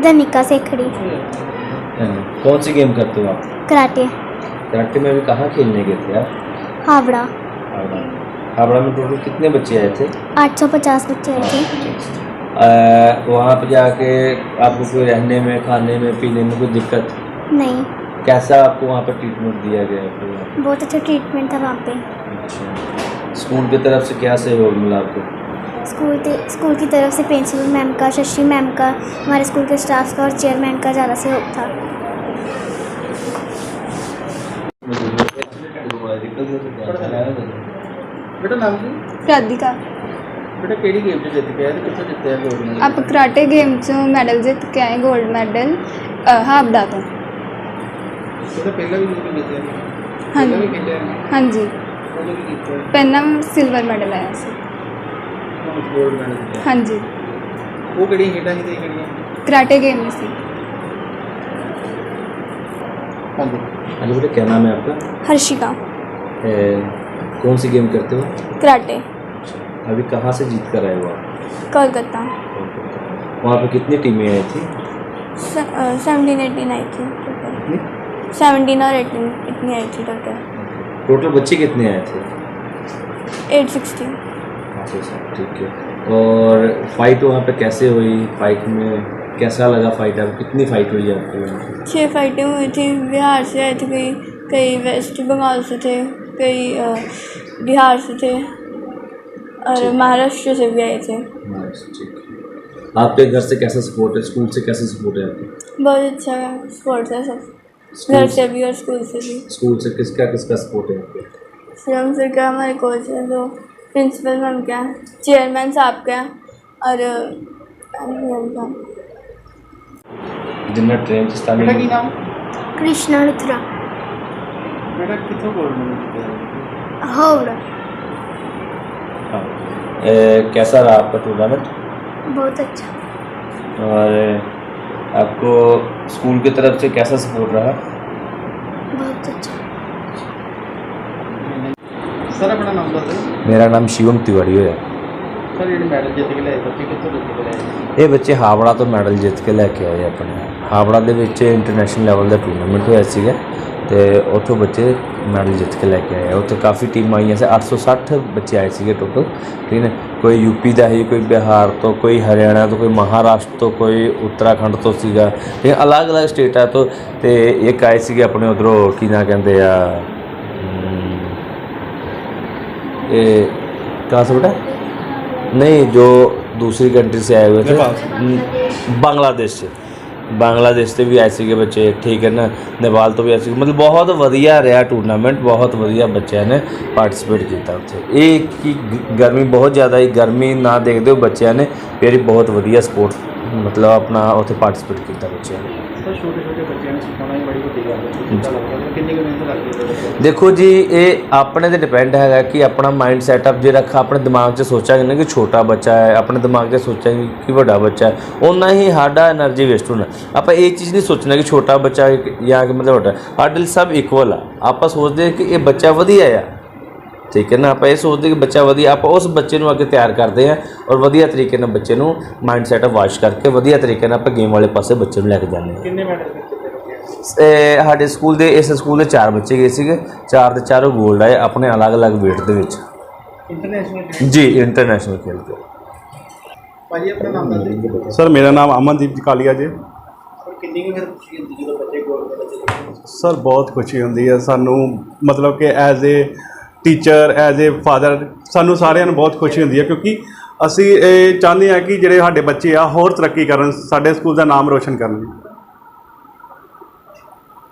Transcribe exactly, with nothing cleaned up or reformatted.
धनिका सेखड़ी। कौन सी गेम करते हो आप? कराटे। कराटे में अभी कहाँ खेलने गए थे आप? हावड़ा। हावड़ा। हावड़ा में टोटल कितने बच्चे आए थे? आठ सौ पचास बच्चे आए थे। आ, वहाँ पे जाके आपको कोई रहने में, खाने में, पीने में कोई दिक्कत नहीं। कैसा आपको वहाँ पर ट्रीटमेंट दिया गया आपको? बहुत अच्छा ट्रीटमेंट था वहाँ पे। अच्छा, स्कूल की तरफ से क्या सहयोग मिला आपको? स्कूल के स्कूल की तरफ से प्रिंसिपल मैम का, शशि मैम का, हमारे स्कूल के स्टाफ का और चेयरमैन का ज़्यादा सहयोग था। बेटा नाम की राधिका। बेटा केड़ी गेम च जित के आए ते कित्थों जित्ते आ गोल्ड? आप कराटे गेम चों मैडल जित के आए, गोल्ड मैडल हावड़ा तो। बेटा पहला भी जित के आए? हाँ पहला भी जी खेले हैं? हाँ जी, उन्होंने भी जीता है? पहला सिल्वर मैडल आया सी। गोल्ड मैडल जीता है? हाँ जी, वो केड़ी खेडा ही ते केड़ियां? कराटे गेम में सी। हाँ जी। हाँ जी बेटा, क्या नाम है आपका? हर्षिका। ए, कौन सी गेम करते हो? कराटे। अभी कहाँ से जीत कर आए हो आप? कोलकाता। वहाँ पे कितनी टीमें आई थी? सेवनटीन एटीन आई थी टोटल। सेवनटीन और एटीन इतनी आई थी टोटल। टोटल बच्चे कितने आए थे? Eight sixty. अच्छा सर, ठीक है। और फाइट वहाँ पे कैसे हुई? फाइट में कैसा लगा फाइट? आपको कितनी फाइट हुई आपको वहाँ पे? छः फाइटें हुई थी। बिहार से आए थे कई, कई वेस्ट बंगाल से थे, कई अ, बिहार से थे और महाराष्ट्र से भी आए थे। महाराष्ट्र, ठीक है। आपके घर से कैसा सपोर्ट है? स्कूल से कैसा सपोर्ट है आपको? बहुत अच्छा स्पोर्ट्स है सब, स्कूल घर से भी और स्कूल से भी। स्कूल से किसका किसका सपोर्ट है आपको? श्रम सर का, हमारे कोच है, तो प्रिंसिपल मैम का, चेयरमैन साहब का और मैम का। जिन्ना ट्रेन से बेटा की नाम? कृष्णा लुथरा। बेटा कित्थों गोल्ड मैडल जीता है? हावड़ा। हाँ। ए, कैसा रहा आपका टूर्नामेंट? बहुत अच्छा। और आपको स्कूल की तरफ से कैसा सपोर्ट रहा? बहुत अच्छा। सर अपना नाम बताओ। मेरा नाम शिवम तिवारी है। सर ये मैडल जित के लाए बच्चे कित्थों जित के लाए? ਇਹ ਬੱਚੇ ਹਾਵੜਾ ਤੋਂ ਮੈਡਲ ਜਿੱਤ ਕੇ ਲੈ ਕੇ ਆਏ ਆਪਣੇ। ਹਾਵੜਾ ਦੇ ਵਿੱਚ ਇੰਟਰਨੈਸ਼ਨਲ ਲੈਵਲ ਦਾ ਟੂਰਨਾਮੈਂਟ ਹੋਇਆ ਸੀਗਾ ਤੇ ਉੱਥੋਂ ਬੱਚੇ ਮੈਡਲ ਜਿੱਤ ਕੇ ਲੈ ਕੇ ਆਏ। ਉੱਥੇ ਕਾਫੀ ਟੀਮਾਂ ਆਈਆਂ ਸੀ, ਅੱਠ ਸੌ ਸੱਠ ਬੱਚੇ ਆਏ ਸੀਗੇ ਟੋਟਲ, ਠੀਕ ਹੈ। ਕੋਈ ਯੂਪੀ ਦਾ ਸੀ, ਕੋਈ ਬਿਹਾਰ ਤੋਂ, ਕੋਈ ਹਰਿਆਣਾ ਤੋਂ, ਕੋਈ ਮਹਾਰਾਸ਼ਟਰ ਤੋਂ, ਕੋਈ ਉੱਤਰਾਖੰਡ ਤੋਂ ਸੀਗਾ, ਇਹ ਅਲੱਗ-ਅਲੱਗ ਸਟੇਟਾਂ ਤੋਂ। ਤੇ ਇੱਕ ਆਏ ਸੀਗੇ ਆਪਣੇ ਉੱਧਰੋਂ, ਕੀ ਨਾਂ ਕਹਿੰਦੇ ਆ, ਇਹ कहाँ से बेटा? नहीं, जो दूसरी कंट्री से आए हुए थे, बांग्लादेश से, बांग्लादेश से भी आए थे बच्चे, ठीक है ना, नेपाल तो भी आए थे। मतलब बहुत वधिया रहा टूर्नामेंट, बहुत वधिया बच्चों ने पार्टिसिपेट किया उत्थे। एक की गर्मी बहुत ज़्यादा ही, गर्मी ना देखते हो बच्चों ने फिर बहुत वधिया स्पोर्ट्स मतलब अपना उत्थे पार्टिसिपेट किया बच्चों ने। छोटे छोटे बच्चों ने सिखाना ही बड़ी वड्डी गल है। कितनी मेहनत लगती है? देखो जी, ये अपने ते डिपेंड है कि अपना माइंड सैटअप जो रखा अपने दिमाग से सोचा ना कि छोटा बच्चा है, अपने दिमाग से सोचा कि बड़ा बच्चा है, उन्ना ही साडा एनर्जी वेस्ट होना। आप ये चीज़ नहीं सोचना कि छोटा बच्चा या मतलब बड़ा, साडे सब इक्वल आ। आप सोचते हैं कि ये बच्चा वधिया है, ठीक है ना, आप ये सोचते कि बच्चा वधिया, आप उस बच्चे को अगे तैयार करते हैं और वधिया तरीके ना बच्चे को माइंड सैटअप वाश करके वधिया तरीके आप गेम वाले पासे बच्चे को लैके जाने। कितने मेडल जीते? साढ़े स्कूल के इस स्कूल के चार बच्चे गए थे, चार के चारों गोल्ड आए अपने अलग अलग वेट के विच। इंटरनेशनल? जी, इंटरनेशनल खेल के। भाजी अपना नाम बताइए। सर मेरा नाम अमनदीप कालिया जी। सर कितनी की फिर खुशी होती है जो बच्चे गोल्ड मेडल जीतते? सर बहुत खुशी होती है सानू, मतलब कि as a teacher, as a father, सानू सारिਆਂ ਨੂੰ बहुत खुशी होती है, क्योंकि ਅਸੀਂ ਇਹ ਚਾਹੁੰਦੇ ਹਾਂ कि ਜਿਹੜੇ ਸਾਡੇ ਬੱਚੇ ਆ ਹੋਰ ਤਰੱਕੀ ਕਰਨ, ਸਾਡੇ ਸਕੂਲ ਦਾ ਨਾਮ ਰੋਸ਼ਨ ਕਰਨ।